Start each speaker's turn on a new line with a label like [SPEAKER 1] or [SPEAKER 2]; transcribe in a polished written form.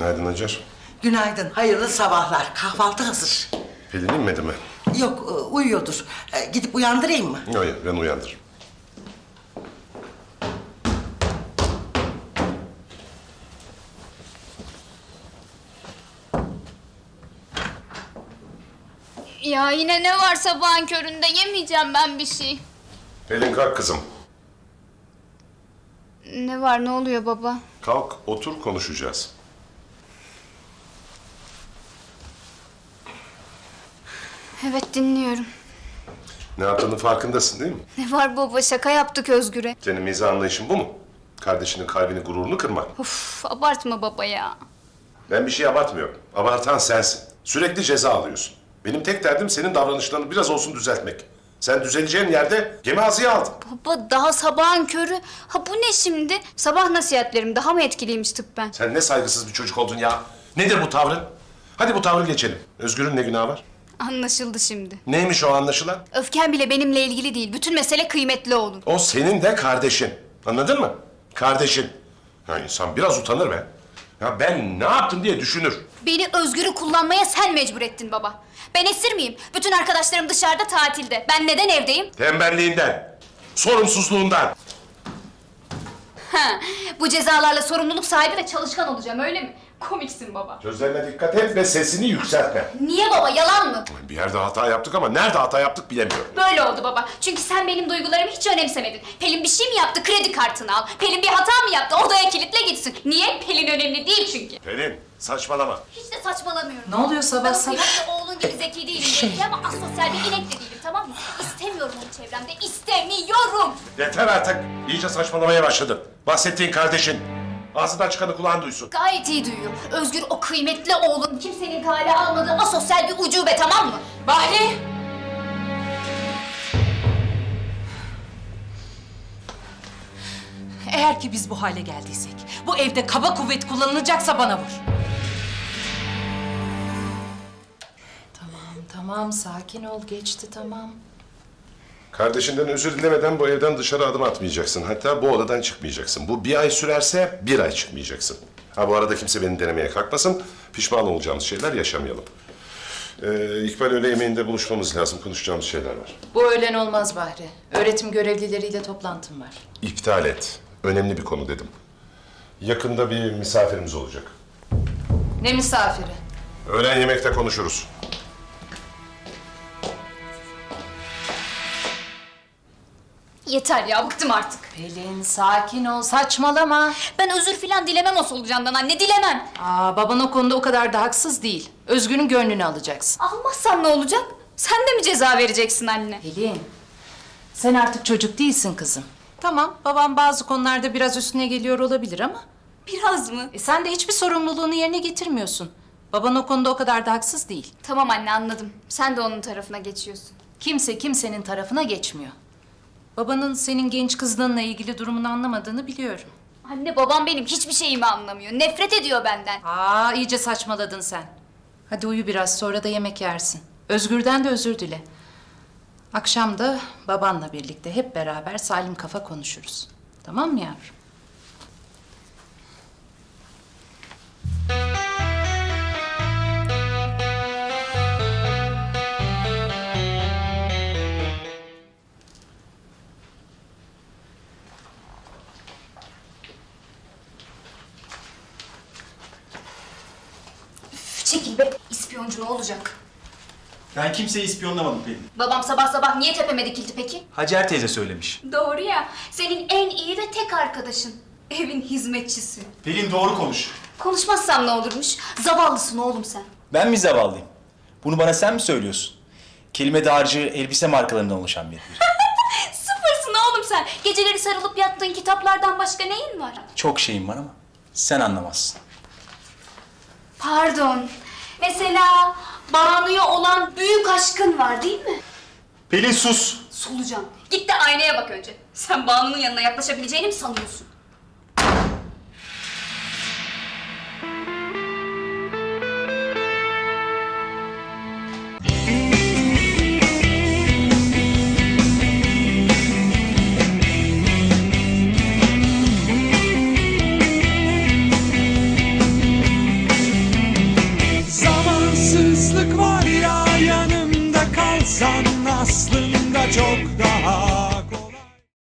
[SPEAKER 1] Günaydın Hacer.
[SPEAKER 2] Günaydın, hayırlı sabahlar. Kahvaltı hazır.
[SPEAKER 1] Pelin inmedi mi?
[SPEAKER 2] Yok, uyuyordur. Gidip uyandırayım mı?
[SPEAKER 1] Yok, ben uyandırırım.
[SPEAKER 3] Ya yine ne var sabahın köründe? Yemeyeceğim ben bir şey.
[SPEAKER 1] Pelin kalk kızım.
[SPEAKER 3] Ne var, ne oluyor baba?
[SPEAKER 1] Kalk, otur konuşacağız.
[SPEAKER 3] Evet, dinliyorum.
[SPEAKER 1] Ne yaptığının farkındasın değil mi?
[SPEAKER 3] Ne var baba, şaka yaptık Özgür'e.
[SPEAKER 1] Senin mizah anlayışın bu mu? Kardeşinin kalbini, gururunu kırmak.
[SPEAKER 3] Of, abartma baba ya.
[SPEAKER 1] Ben bir şey abartmıyorum. Abartan sensin. Sürekli ceza alıyorsun. Benim tek derdim senin davranışlarını biraz olsun düzeltmek. Sen düzeleceğin yerde gemi ağzıya aldın.
[SPEAKER 3] Baba daha sabahın körü. Ha bu ne şimdi? Sabah nasihatlerim daha mı etkiliymiş tıbben?
[SPEAKER 1] Sen ne saygısız bir çocuk oldun ya. Nedir bu tavrın? Hadi bu tavrı geçelim. Özgür'ün ne günahı var?
[SPEAKER 3] Anlaşıldı şimdi.
[SPEAKER 1] Neymiş o anlaşılan?
[SPEAKER 3] Öfken bile benimle ilgili değil. Bütün mesele kıymetli oğlum.
[SPEAKER 1] O senin de kardeşin. Anladın mı? Kardeşin. Ya insan biraz utanır be. Ya ben ne yaptım diye düşünür.
[SPEAKER 3] Beni Özgür'ü kullanmaya sen mecbur ettin baba. Ben esir miyim? Bütün arkadaşlarım dışarıda tatilde. Ben neden evdeyim?
[SPEAKER 1] Tembelliğinden, sorumsuzluğundan.
[SPEAKER 3] Ha, bu cezalarla sorumluluk sahibi ve çalışkan olacağım öyle mi? Komiksin baba.
[SPEAKER 1] Sözlerine dikkat et ve sesini yükseltme.
[SPEAKER 3] Niye baba, yalan mı?
[SPEAKER 1] Bir yerde hata yaptık ama nerede hata yaptık bilemiyorum.
[SPEAKER 3] Böyle oldu baba. Çünkü sen benim duygularımı hiç önemsemedin. Pelin bir şey mi yaptı? Kredi kartını al. Pelin bir hata mı yaptı? Odaya kilitle gitsin. Niye? Pelin önemli değil çünkü.
[SPEAKER 1] Pelin, saçmalama.
[SPEAKER 3] Hiç de saçmalamıyorum.
[SPEAKER 2] Ne oluyor sabah
[SPEAKER 3] Ben
[SPEAKER 2] sabah?
[SPEAKER 3] kıymetli oğlun gibi zeki değilim belki ama asosyal bir inek de değilim, tamam mı? İstemiyorum onu çevremde. İstemiyorum.
[SPEAKER 1] Yeter artık. İyice saçmalamaya başladın. Bahsettiğin kardeşin. Ağzından çıkanı kulağın duysun.
[SPEAKER 3] Gayet iyi duyuyor. Özgür o kıymetli oğlun kimsenin kale almadığı asosyal bir ucube, tamam mı?
[SPEAKER 4] Bahri! Eğer ki biz bu hale geldiysek, bu evde kaba kuvvet kullanılacaksa bana vur.
[SPEAKER 5] Tamam, sakin ol. Geçti, tamam.
[SPEAKER 1] Kardeşinden özür dilemeden bu evden dışarı adım atmayacaksın. Hatta bu odadan çıkmayacaksın. Bu bir ay sürerse 1 ay çıkmayacaksın. Ha bu arada kimse beni denemeye kalkmasın. Pişman olacağımız şeyler yaşamayalım. İkbal öğle yemeğinde buluşmamız lazım. Konuşacağımız şeyler var.
[SPEAKER 5] Bu öğlen olmaz Bahri. Öğretim görevlileriyle toplantım var.
[SPEAKER 1] İptal et. Önemli bir konu dedim. Yakında bir misafirimiz olacak.
[SPEAKER 5] Ne misafiri?
[SPEAKER 1] Öğlen yemekte konuşuruz.
[SPEAKER 3] Yeter ya, bıktım artık.
[SPEAKER 5] Pelin, sakin ol. Saçmalama.
[SPEAKER 3] Ben özür filan dilemem o solucandan anne, dilemem.
[SPEAKER 5] Baban o konuda o kadar da haksız değil. Özgür'ün gönlünü alacaksın.
[SPEAKER 3] Almazsam ne olacak? Sen de mi ceza vereceksin anne?
[SPEAKER 5] Pelin, sen artık çocuk değilsin kızım. Tamam, babam bazı konularda biraz üstüne geliyor olabilir ama...
[SPEAKER 3] Biraz mı?
[SPEAKER 5] Sen de hiçbir sorumluluğunu yerine getirmiyorsun. Baban o konuda o kadar da haksız değil.
[SPEAKER 3] Tamam anne, anladım. Sen de onun tarafına geçiyorsun.
[SPEAKER 5] Kimse kimsenin tarafına geçmiyor. Babanın senin genç kızlığınla ilgili durumunu anlamadığını biliyorum.
[SPEAKER 3] Anne babam benim hiçbir şeyimi anlamıyor. Nefret ediyor benden.
[SPEAKER 5] İyice saçmaladın sen. Hadi uyu biraz, sonra da yemek yersin. Özgür'den de özür dile. Akşam da babanla birlikte hep beraber salim kafa konuşuruz. Tamam mı yavrum?
[SPEAKER 3] Çekil be. İspiyoncu ne olacak?
[SPEAKER 6] Ben kimseyi ispiyonlamadım Pelin.
[SPEAKER 3] Babam sabah sabah niye tepeme dikildi peki?
[SPEAKER 6] Hacer teyze söylemiş.
[SPEAKER 3] Doğru ya. Senin en iyi ve tek arkadaşın. Evin hizmetçisi.
[SPEAKER 6] Pelin doğru konuş.
[SPEAKER 3] Konuşmazsam ne olurmuş? Zavallısın oğlum sen.
[SPEAKER 6] Ben mi zavallıyım? Bunu bana sen mi söylüyorsun? Kelime dağarcığı elbise markalarından oluşan bir.
[SPEAKER 3] Sıfırsın oğlum sen. Geceleri sarılıp yattığın kitaplardan başka neyin var?
[SPEAKER 6] Çok şeyim var ama sen anlamazsın.
[SPEAKER 3] Pardon. Mesela Banu'ya olan büyük aşkın var değil mi?
[SPEAKER 6] Pelin sus!
[SPEAKER 3] Solucan. Git de aynaya bak önce. Sen Banu'nun yanına yaklaşabileceğini mi sanıyorsun?
[SPEAKER 7] İnsan aslında çok da